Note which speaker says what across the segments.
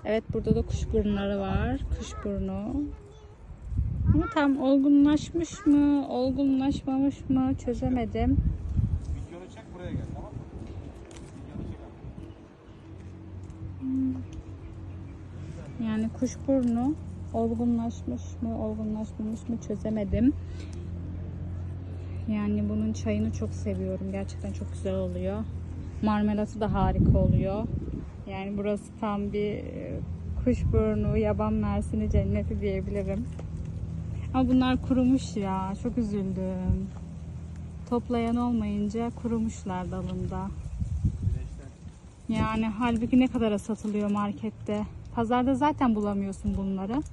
Speaker 1: Evet, burada da kuşburnuları var. Kuşburnu. Ama tam olgunlaşmış mı, olgunlaşmamış mı çözemedim.
Speaker 2: Videonu çek, buraya gel, tamam mı? Videonu çek abi.
Speaker 1: Yani kuşburnu olgunlaşmış mı, olgunlaşmamış mı çözemedim. Yani bunun çayını çok seviyorum. Gerçekten çok güzel oluyor. Marmelatı da harika oluyor. Yani burası tam bir kuşburnu, yaban mersini cenneti diyebilirim. Ama bunlar kurumuş ya. Çok üzüldüm. Toplayan olmayınca kurumuşlar dalında. Yani halbuki ne kadara satılıyor markette. Pazarda zaten bulamıyorsun bunları.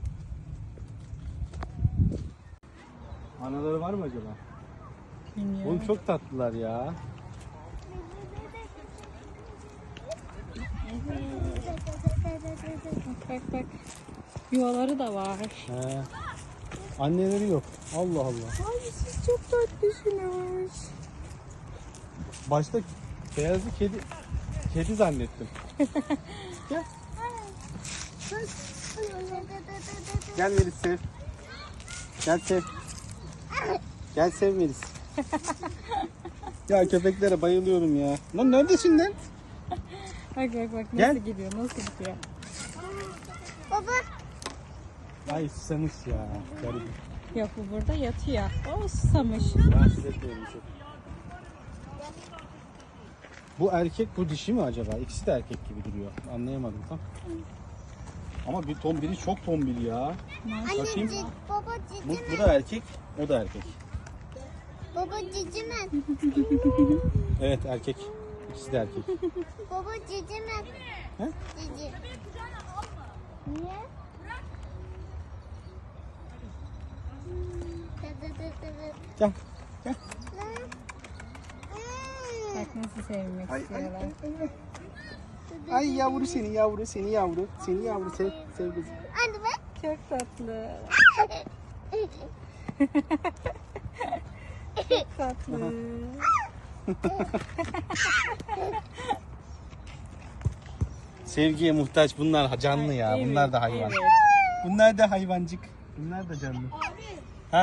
Speaker 2: Anaları var mı acaba?
Speaker 1: Bilmiyorum.
Speaker 2: Oğlum çok tatlılar ya.
Speaker 1: Bak bak. Yuvaları da var.
Speaker 2: He. Anneleri yok. Allah Allah.
Speaker 1: Ay siz çok tatlısınız.
Speaker 2: Başta beyazlı kedi zannettim. Gel. Gel Melis sev. Gel sev. Gel sev Melis. Ya köpeklere bayılıyorum ya. Lan neredesin lan?
Speaker 1: Bak bak bak nasıl
Speaker 2: Gel.
Speaker 1: gidiyor, nasıl gidiyor.
Speaker 3: Baba.
Speaker 2: Ay susamış ya. Garip.
Speaker 1: Yok, bu burada yatıyor. O susamış.
Speaker 2: Rahatsız etmiyorum çok. Bu erkek bu dişi mi acaba? İkisi de erkek gibi duruyor. Anlayamadım tam. Ama biri çok tombil ya. Bakayım.
Speaker 3: Anneciğim, baba
Speaker 2: Bu
Speaker 3: cici mi?
Speaker 2: da erkek, o da erkek.
Speaker 3: Baba cici mi?
Speaker 2: Evet erkek. İkisi de erkek.
Speaker 3: Baba cici mi?
Speaker 2: He?
Speaker 3: Cici. Niye?
Speaker 2: Gel. Gel.
Speaker 1: Bak nasıl sevmek istiyorlar.
Speaker 2: Ay yavru seni yavru seni yavru. Seni yavru sev kızım.
Speaker 3: Anne bak.
Speaker 1: Çok tatlı. Çok tatlı.
Speaker 2: Sevgiye muhtaç bunlar canlı ya.
Speaker 1: Evet,
Speaker 2: Bunlar da hayvan.
Speaker 1: evet.
Speaker 2: Bunlar da hayvancık. Bunlar da canlı. Ha?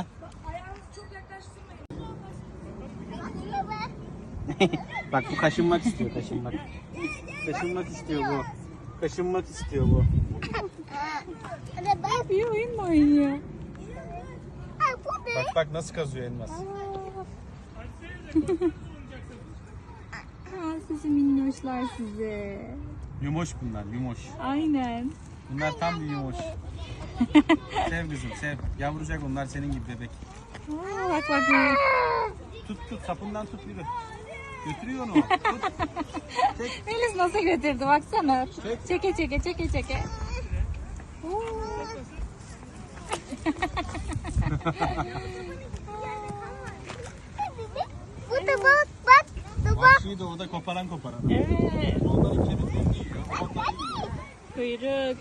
Speaker 2: Bak bu kaşınmak istiyor, kaşınmak. Kaşınmak istiyor bu. Kaşınmak istiyor bu.
Speaker 3: Anne bak.
Speaker 1: Bir oyun mu oynuyor?
Speaker 3: Ay bu ne?
Speaker 2: Bak bak nasıl kazıyor elmas.
Speaker 1: Ha, sizi minnoşlar size.
Speaker 2: Yumoş bunlar, yumoş.
Speaker 1: Aynen.
Speaker 2: Bunlar tam bir yumoş. Sev kızım, sev. Yavrucak onlar senin gibi bebek.
Speaker 1: Aa, bak bak bak.
Speaker 2: Tut, sapından tut yürü. Götürüyor onu. Tut.
Speaker 1: Melis nasıl götürdü baksana.
Speaker 2: Çek.
Speaker 1: Çeke çeke çeke çeke.
Speaker 3: Bu da bak bak. Da bak.
Speaker 2: Vahşi doğuda koparan.
Speaker 1: Evet.
Speaker 2: Onların kemiklerini yiyor. Onları yiyor.
Speaker 1: Kuyruk.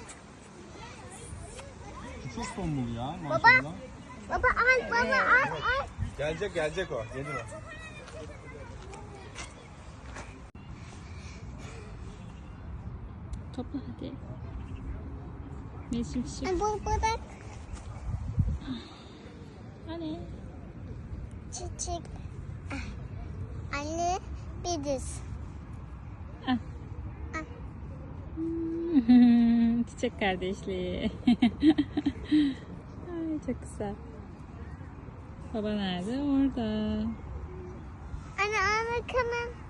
Speaker 2: Çok tombul ya maşallah.
Speaker 3: Baba al baba al al.
Speaker 2: Gelecek o. Gelir o.
Speaker 1: Topla hadi. Melis'im çiçek.
Speaker 3: Bu bırak.
Speaker 1: Hani?
Speaker 3: Çiçek. Anne biriz.
Speaker 1: Çiçek kardeşliği. Ay, çok güzel. Baba nerede? Orada.
Speaker 3: Anne al bakalım.